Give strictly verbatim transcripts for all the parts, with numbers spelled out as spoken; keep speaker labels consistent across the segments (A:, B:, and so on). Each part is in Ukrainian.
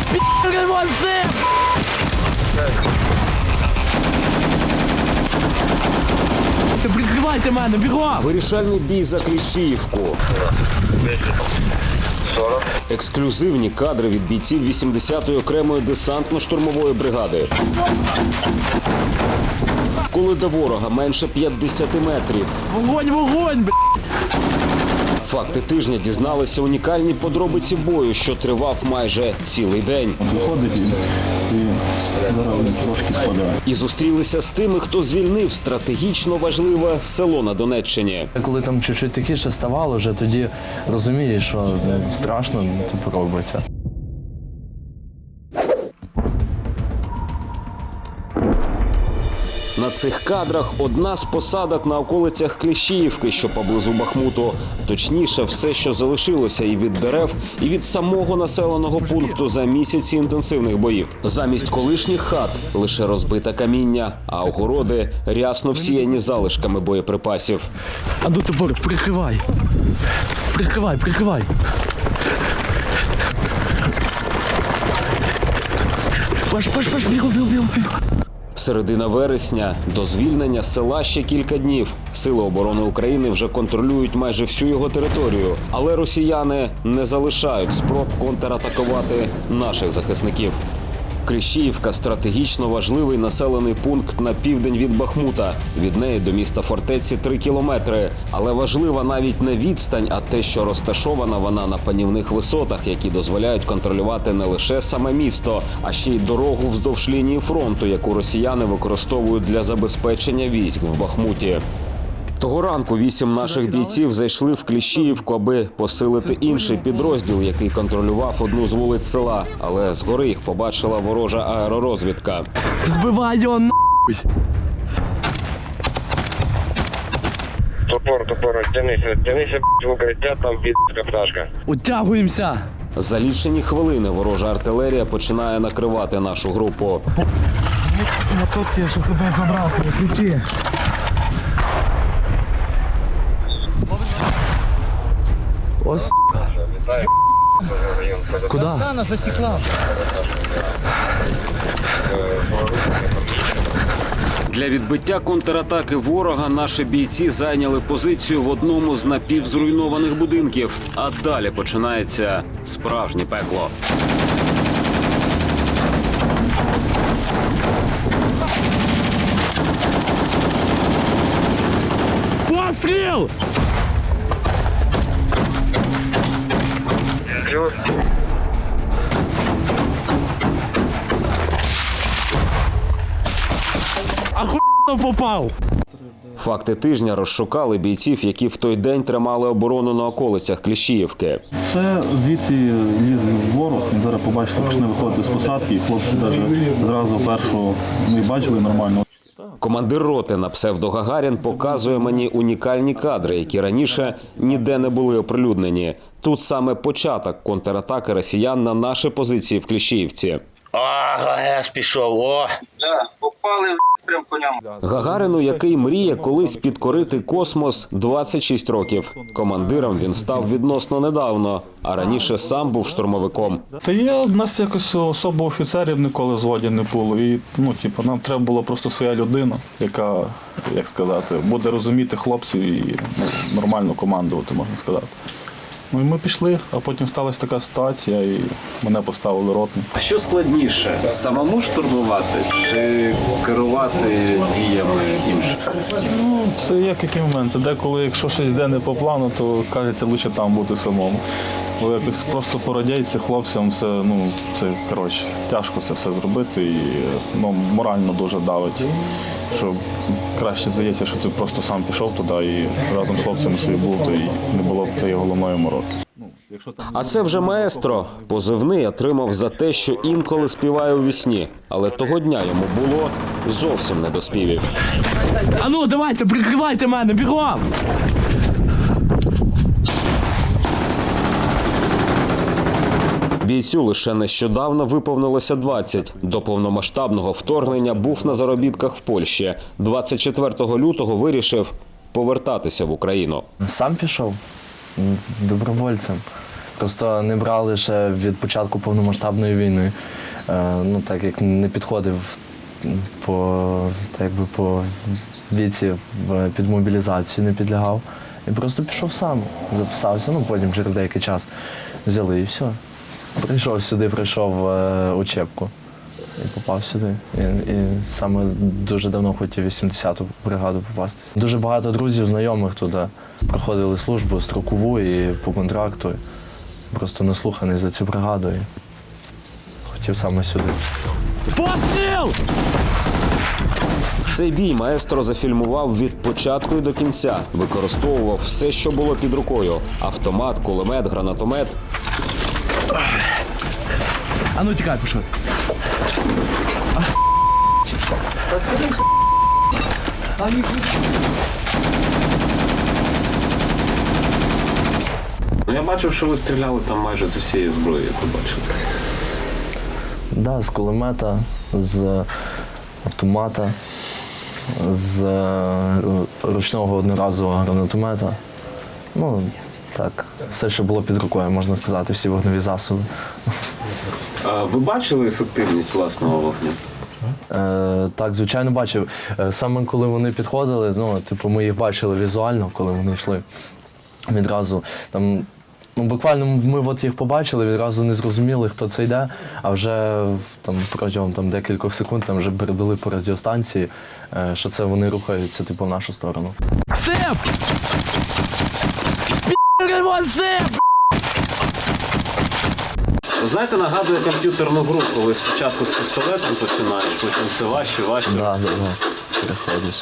A: Пі***й молодці! Прикривайте мене, бігом!
B: Вирішальний бій за Кліщіївку. Ексклюзивні кадри від бійців вісімдесятої окремої десантно-штурмової бригади. Коли до ворога менше п'ятдесяти метрів.
A: Вогонь, вогонь, б***ь!
B: Факти тижня дізналися унікальні подробиці бою, що тривав майже цілий день.
C: Виходить і, і зараз трошки спадає.
B: І зустрілися з тими, хто звільнив стратегічно важливе село на Донеччині.
D: Коли там чуть-чуть тихіше ставало, вже тоді розумієш, що ну, страшно, ну, типу, робиться.
B: На цих кадрах одна з посадок на околицях Кліщіївки, що поблизу Бахмуту. Точніше, все, що залишилося і від дерев, і від самого населеного пункту за місяці інтенсивних боїв. Замість колишніх хат – лише розбите каміння, а огороди рясно всіяні залишками боєприпасів.
A: А ну тепер прикривай. Прикривай, прикривай. Паш, паш, паш, бігу, бігу, бігу.
B: Середина вересня, до звільнення села ще кілька днів. Сили оборони України вже контролюють майже всю його територію. Але росіяни не залишають спроб контратакувати наших захисників. Кліщіївка – стратегічно важливий населений пункт на південь від Бахмута. Від неї до міста фортеці три кілометри. Але важлива навіть не відстань, а те, що розташована вона на панівних висотах, які дозволяють контролювати не лише саме місто, а ще й дорогу вздовж лінії фронту, яку росіяни використовують для забезпечення військ в Бахмуті. Того ранку вісім наших бійців зайшли в Кліщіївку, аби посилити інший підрозділ, який контролював одну з вулиць села. Але згори їх побачила ворожа аеророзвідка.
A: Збивай його нахуй!
E: Топор, топор, тянися, тянися, в укриття, там під пташка.
A: Утягуємося!
B: За лічені хвилини ворожа артилерія починає накривати нашу групу.
F: На топці, щоб тебе забрав, присвічи.
A: Ось. Куди?
B: Для відбиття контратаки ворога наші бійці зайняли позицію в одному з напівзруйнованих будинків. А далі починається справжнє пекло.
A: Постріл!
E: Плюс.
A: Ахуєнно попав!
B: Факти тижня розшукали бійців, які в той день тримали оборону на околицях Кліщіївки.
C: Це звідси ліз ворог, він зараз побачите, почне виходити з посадки, і хлопці навіть зразу першого не бачили нормально.
B: Командир роти на псевдо Гагарін показує мені унікальні кадри, які раніше ніде не були оприлюднені. Тут саме початок контратаки росіян на наші позиції в Кліщіївці.
E: О, ГГС пішов, о!
G: Да, попали в прям по ньому.
B: Гагарину, який мріє колись підкорити космос, двадцять шість років. Командиром він став відносно недавно, а раніше сам був штурмовиком.
C: Та є, в нас якось особо офіцерів ніколи в зводі не було. І, ну, типу, нам треба була просто своя людина, яка, як сказати, буде розуміти хлопців і ну, нормально командувати, можна сказати. Ну і ми пішли, а потім сталася така ситуація, і мене поставили ротним.
B: Що складніше, самому штурмувати чи керувати діями інших?
C: Ну, це як які моменти. Деколи, якщо щось йде не по плану, то кажеться, лише там бути самому. Бо якось просто породяться хлопцям, це, ну, це, коротше, тяжко це все зробити і ну, морально дуже давить. Що краще здається, що ти просто сам пішов туди і разом з хлопцями собі був, то і не було б тієї головної мороки.
B: А це вже маестро. Позивний отримав за те, що інколи співає у вісні. Але того дня йому було зовсім не до співів.
A: А ну, давайте, прикривайте мене, бігом!
B: Бійцю лише нещодавно виповнилося двадцять. До повномасштабного вторгнення був на заробітках в Польщі. двадцять четвертого лютого вирішив повертатися в Україну.
D: Сам пішов добровольцем. Просто не брали ще від початку повномасштабної війни. Е, ну, так як не підходив по, так якби по віці в- під мобілізацію, не підлягав. І просто пішов сам, записався, ну потім через деякий час взяли і все. Прийшов сюди, прийшов е, учебку і попав сюди. І, і саме дуже давно хотів в вісімдесяту бригаду попасти. Дуже багато друзів, знайомих туди проходили службу строкову і по контракту. Просто наслуханий за цю бригаду і хотів саме сюди.
A: Постріл!
B: Цей бій маестро зафільмував від початку і до кінця. Використовував все, що було під рукою: автомат, кулемет, гранатомет.
A: А ну тікай, пішов.
B: Ну, я бачив, що ви стріляли там майже з усієї зброї, як ви бачите.
D: Да, з кулемета, з автомата, з е, ручного одноразового гранатомета. Ну, так, все, що було під рукою, можна сказати, всі вогневі засоби.
B: А ви бачили ефективність власного вогню?
D: Е, так, звичайно, бачив. Е, саме коли вони підходили, ну, типу, ми їх бачили візуально, коли вони йшли. Відразу там, ну, буквально ми от їх побачили, відразу не зрозуміли, хто це йде, а вже в- там, протягом там, декількох секунд там, вже передали по радіостанції, е, що це вони рухаються типу, в нашу сторону.
A: Сип! Пі***й вон сип!
B: Ви знаєте, нагадує комп'ютерну гру, коли спочатку з пістолетом починаєш, потім все важче, важче.
D: Да, да, да. Переходиш.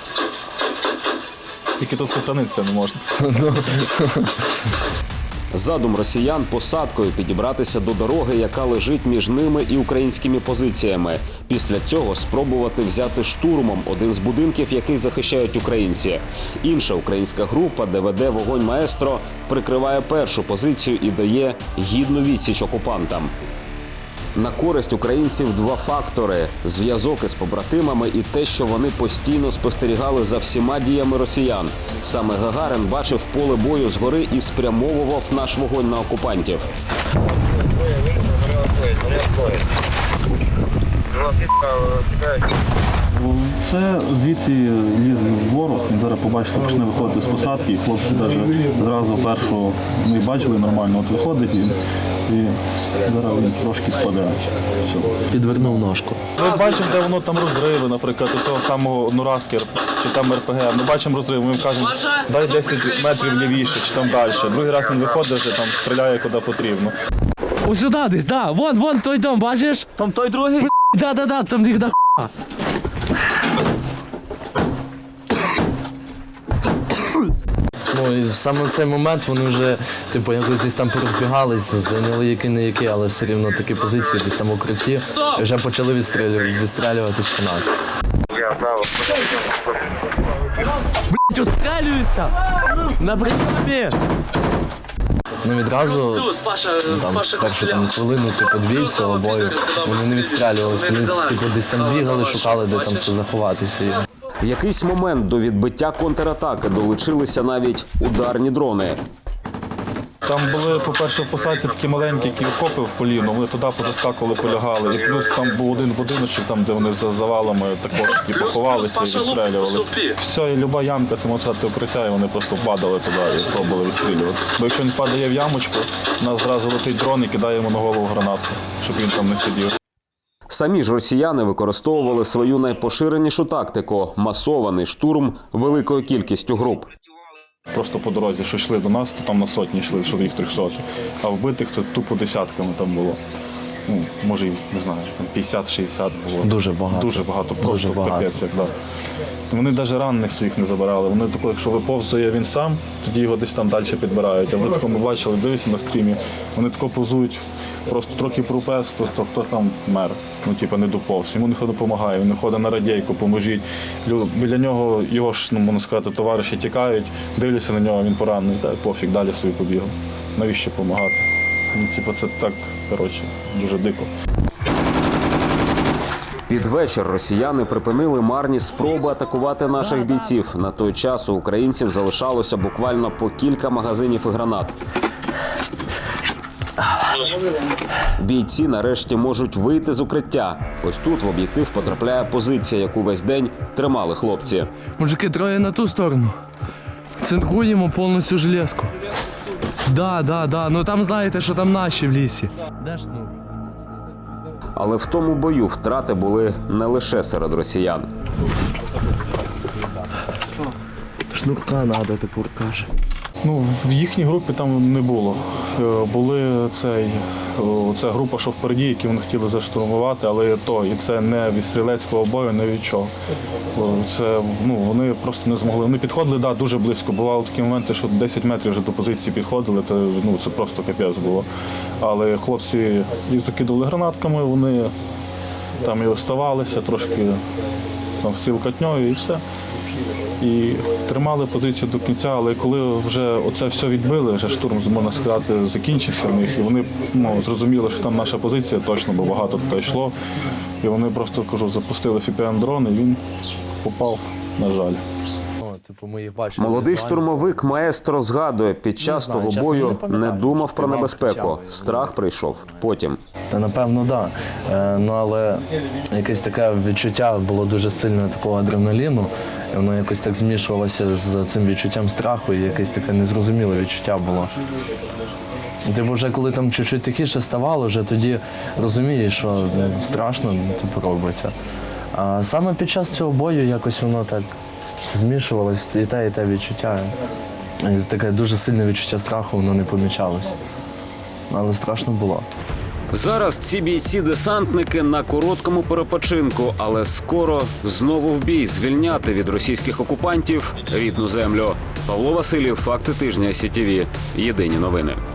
C: Тільки тут сохранитися не можна.
B: Задум росіян посадкою підібратися до дороги, яка лежить між ними і українськими позиціями. Після цього спробувати взяти штурмом один з будинків, який захищають українці. Інша українська група, де веде вогонь маестро, прикриває першу позицію і дає гідну відсіч окупантам. На користь українців два фактори – зв'язок із побратимами і те, що вони постійно спостерігали за всіма діями росіян. Саме Гагарин бачив поле бою згори і спрямовував наш вогонь на окупантів.
C: Це звідси ліз ворог, він зараз побачите, почне виходити з посадки, і хлопці навіть зразу першого не бачили нормально, от виходить він, і зараз він трошки спаде. Все.
D: Підвернув ножку.
C: Ми бачимо, де воно там розриви, наприклад, у цього самого одноразки чи там РПГ. Ми бачимо розриви, ми їм кажемо, дай десять метрів лівіше, чи там далі. Другий раз він виходить, вже там стріляє куди потрібно.
A: Ось сюди десь, да. Вон, вон той дом, бачиш? Там той другий? Да, да, да, там їх до хуя.
D: Ну, і саме в цей момент вони вже типу, якось десь там порозбігались, зайняли які-не які, але все рівно такі позиції, десь там укритті, і вже почали відстрілювати, відстрілюватись по нас.
A: Блять, устрілюються! На прийомі!
D: Ну відразу там, першу там, хвилину, типу дві цього бою, вони не відстрілювалися, вони типу, десь там бігали, шукали, де там все заховатися.
B: В якийсь момент до відбиття контратаки долучилися навіть ударні дрони.
C: Там були, по-перше, в посадці такі маленькі, які окопи в поліну, вони туди позаскакували, полягали. І плюс там був один будиночок, там, де вони за завалами також ті поховалися і відстрілювали. Все, і люба ямка, це можна сказати, укриття, і вони просто падали туди і пробували відстрілювати. Бо якщо він падає в ямочку, у нас зразу летить дрон і кидає йому на голову гранатку, щоб він там не сидів.
B: Самі ж росіяни використовували свою найпоширенішу тактику – масований штурм великою кількістю груп.
C: Просто по дорозі, що йшли до нас, то там на сотні йшли, що їх трьохсоті. А вбитих то тупо десятками там було. Ну, може, не знаю, там п'ятдесят-шістдесят було.
D: Дуже багато.
C: Дуже багато, просто
D: Дуже багато.
C: капець, як, да. Вони навіть ранених своїх не забирали. Вони тако, якщо виповзує він сам, тоді його десь там далі підбирають. А ви тако ми бачили, дивіться на стрімі, вони тако повзують, просто трохи пропес, просто хто там мер, ну типу не доповз. Йому ніхто не допомагає, він не ходить на радійку, поможіть. Лю- Біля нього його ж, ну можна сказати, товариші тікають, дивляться на нього, він поранений, та пофіг, далі собі побігав. Навіщо допомагати? Ну, типу, це так, коротше, дуже дико.
B: Під вечір росіяни припинили марні спроби атакувати наших бійців. На той час у українців залишалося буквально по кілька магазинів і гранат. Бійці нарешті можуть вийти з укриття. Ось тут в об'єктив потрапляє позиція, яку весь день тримали хлопці.
A: Мужики, троє на ту сторону. Цинкуємо повністю железку. Да, да, да. Ну там знаєте, що там наші в лісі. Де ж ну?
B: Але в тому бою втрати були не лише серед росіян.
A: Шнурка надо, тепер каже.
C: Ну, в їхній групі там не було. Е, Були цей, о, ця група, що впереді, які вони хотіли заштурмувати, але то, і це не від стрілецького бою, не від чого. О, Це, ну, вони просто не змогли. Вони підходили, да, дуже близько. Бували такі моменти, що десять метрів вже до позиції підходили, це, ну, це просто капець було. Але хлопці їх закидували гранатками, вони там і оставалися, трошки там стрілкатньою і все. І тримали позицію до кінця, але коли вже оце все відбили, вже штурм, можна сказати, закінчився в них, і вони, ну, зрозуміли, що там наша позиція точно, бо багато туди йшло. І вони просто, кажу, запустили еф пі ем-дрон, і він попав, на жаль.
D: О, типу, ми їх бачили
B: Молодий
D: візуально.
B: штурмовик маестро згадує, під час
D: знаю,
B: того
D: чесно,
B: бою
D: не пам'ятаю,
B: не думав про
D: співав,
B: небезпеку.
D: кричав.
B: Страх прийшов потім.
D: Та напевно, так. Да. Е, ну але якесь таке відчуття було дуже сильне такого адреналіну. І воно якось так змішувалося з цим відчуттям страху, і якесь таке незрозуміле відчуття було. Типу, вже коли там чуть-чуть тихіше ставало, вже тоді розумієш, що ну, страшно, ну, типу, робиться. А саме під час цього бою якось воно так змішувалось, і те, і те відчуття. І таке дуже сильне відчуття страху, воно не помічалось. Але страшно було.
B: Зараз ці бійці-десантники на короткому перепочинку, але скоро знову в бій звільняти від російських окупантів рідну землю. Павло Васильєв, факти тижня, ес сі ті ві. Єдині новини.